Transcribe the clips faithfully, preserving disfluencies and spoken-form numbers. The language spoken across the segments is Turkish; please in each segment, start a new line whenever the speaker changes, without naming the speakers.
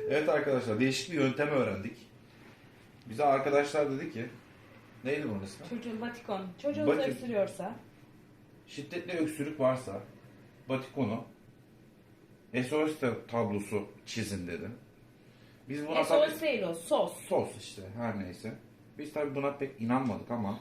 Evet arkadaşlar, değişik bir yöntem öğrendik. Bize arkadaşlar dedi ki, neydi bunun ismi?
Çocuğun batikon. Çocuğunuz
Batik-
öksürüyorsa.
Şiddetli öksürük varsa batikonu S O S tablosu çizin dedi. Biz buna
S O
tabii
S değil o, sos.
sos işte her neyse. Biz tabii buna pek inanmadık ama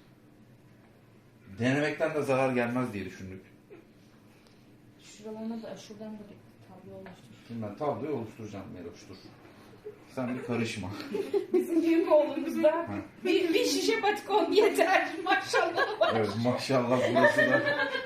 denemekten de zarar gelmez diye düşündük.
Şuralarına da, şuradan da bir tablo oluştur.
Şimdi ben tabloyu oluşturacağım Meloş'tur. Sen bir karışma.
Bizim büyük oğlumuzda bir, bir şişe batikon yeter. Maşallah var.
Evet maşallah burası da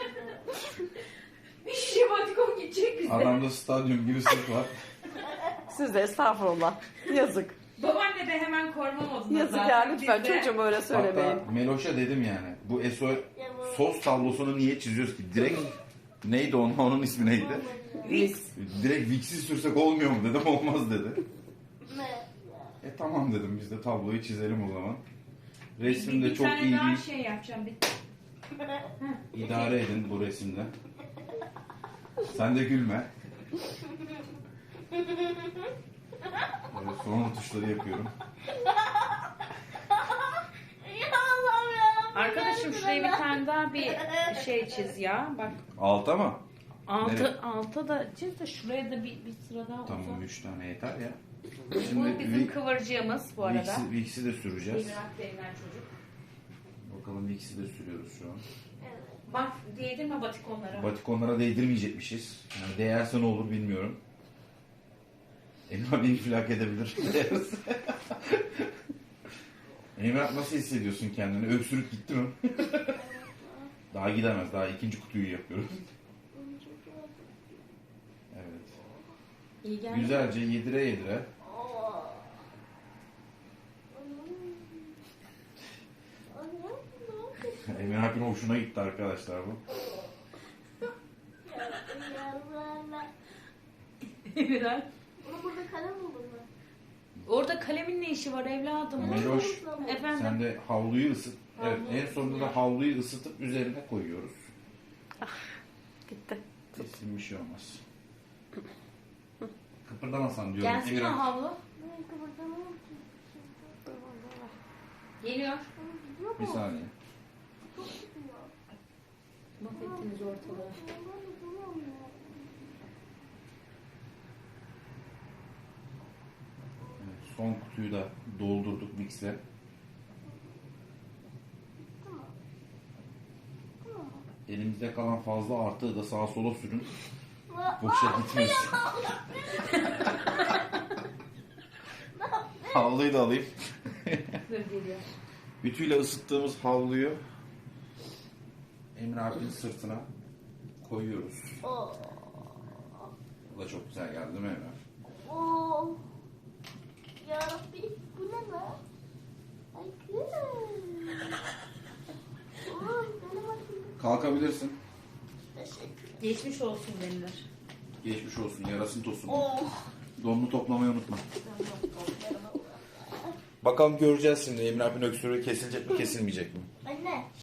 Bir şişe batikon gidecek bize.
adamda stadyum gibi sırt var.
Siz de estağfurullah. Yazık.
Babaanne de hemen koruma modunda
Yazık
zaten.
ya lütfen
Biz de-
çocuğum öyle söylemeyin.
Hatta Meloş'a dedim yani bu S O sos tablosunu niye çiziyoruz ki? Direkt neydi onun, onun ismi neydi?
Vicks.
Direkt Vicks'i sürsek olmuyor mu dedim, olmaz dedi. E tamam dedim, biz de tabloyu çizelim o zaman. Resim
bir,
de
bir
çok
tane
iyi
daha
değil.
şey yapacağım. Bir...
İdare edin bu resimde. Sen de gülme. Böyle son tuşları yapıyorum.
Arkadaşım şuraya bir tane daha bir şey çiz ya. Bak
Alta mı?
altı,
Nereye?
altı da çiz de şuraya da bir, bir sıra daha
Tamam,
uzat.
üç tane yeter ya.
Bu
Şimdi
bizim
Vi-
kıvırcığımız bu arada.
Vicks'i, Vicks'i de süreceğiz.
İmrak denilen çocuk.
Bakalım Vicks'i de sürüyoruz şu an.
Bak değdirme batikonlara.
Batikonlara değdirmeyecekmişiz. Yani değerse ne olur bilmiyorum. Emrah beni infilak edebilir. Değerse. Emrah nasıl hissediyorsun kendini? Öksürük gitti mi? Daha gidemez. Daha ikinci kutuyu yapıyoruz. Evet.
İyi geldi.
Güzelce yedire yedire. Emrah abinin hoşuna gitti arkadaşlar bu.
Emrah.
Ama burada kalem olur mu?
Orada kalemin ne işi var evladım?
Meloş,
Efendim?
sen de havluyu ısıt. Evet,
Havlu
en sonunda da havluyu ısıtıp üzerine koyuyoruz.
Gitti.
Kesin bir şey olmaz. Kıpırdamasan diyorum.
Gelsin
Emrah.
o havlu.
Ben kıpırdamıyorum ki.
Geliyor.
Gidiyor
Bir
mu?
saniye.
Çok gidiyor.
Mahvettiniz ortalığı.
Ben de duruyorum ya.
Evet, son kutuyu da doldurduk Vicks'le.
Tamam. Tamam.
Elimizde kalan fazla artığı da sağa sola sürün.
Aa,
Boşa gitmesin. Havluyu da alayım.
Dur geliyor.
Ütüyle ısıttığımız havluyu Emre abinin sırtına koyuyoruz.
Oo.
Bu da çok güzel geldi değil mi Emre?
Oo. Yarabbi bu ne lan? Ay kız. Oğlum benim atayım.
Kalkabilirsin.
Teşekkür.
Geçmiş olsun denilir.
Geçmiş olsun, yarasın tosun.
Oh.
Donunu toplamayı unutma. Bakalım göreceğiz şimdi Emre abinin öksürüğü kesilecek mi kesilmeyecek mi?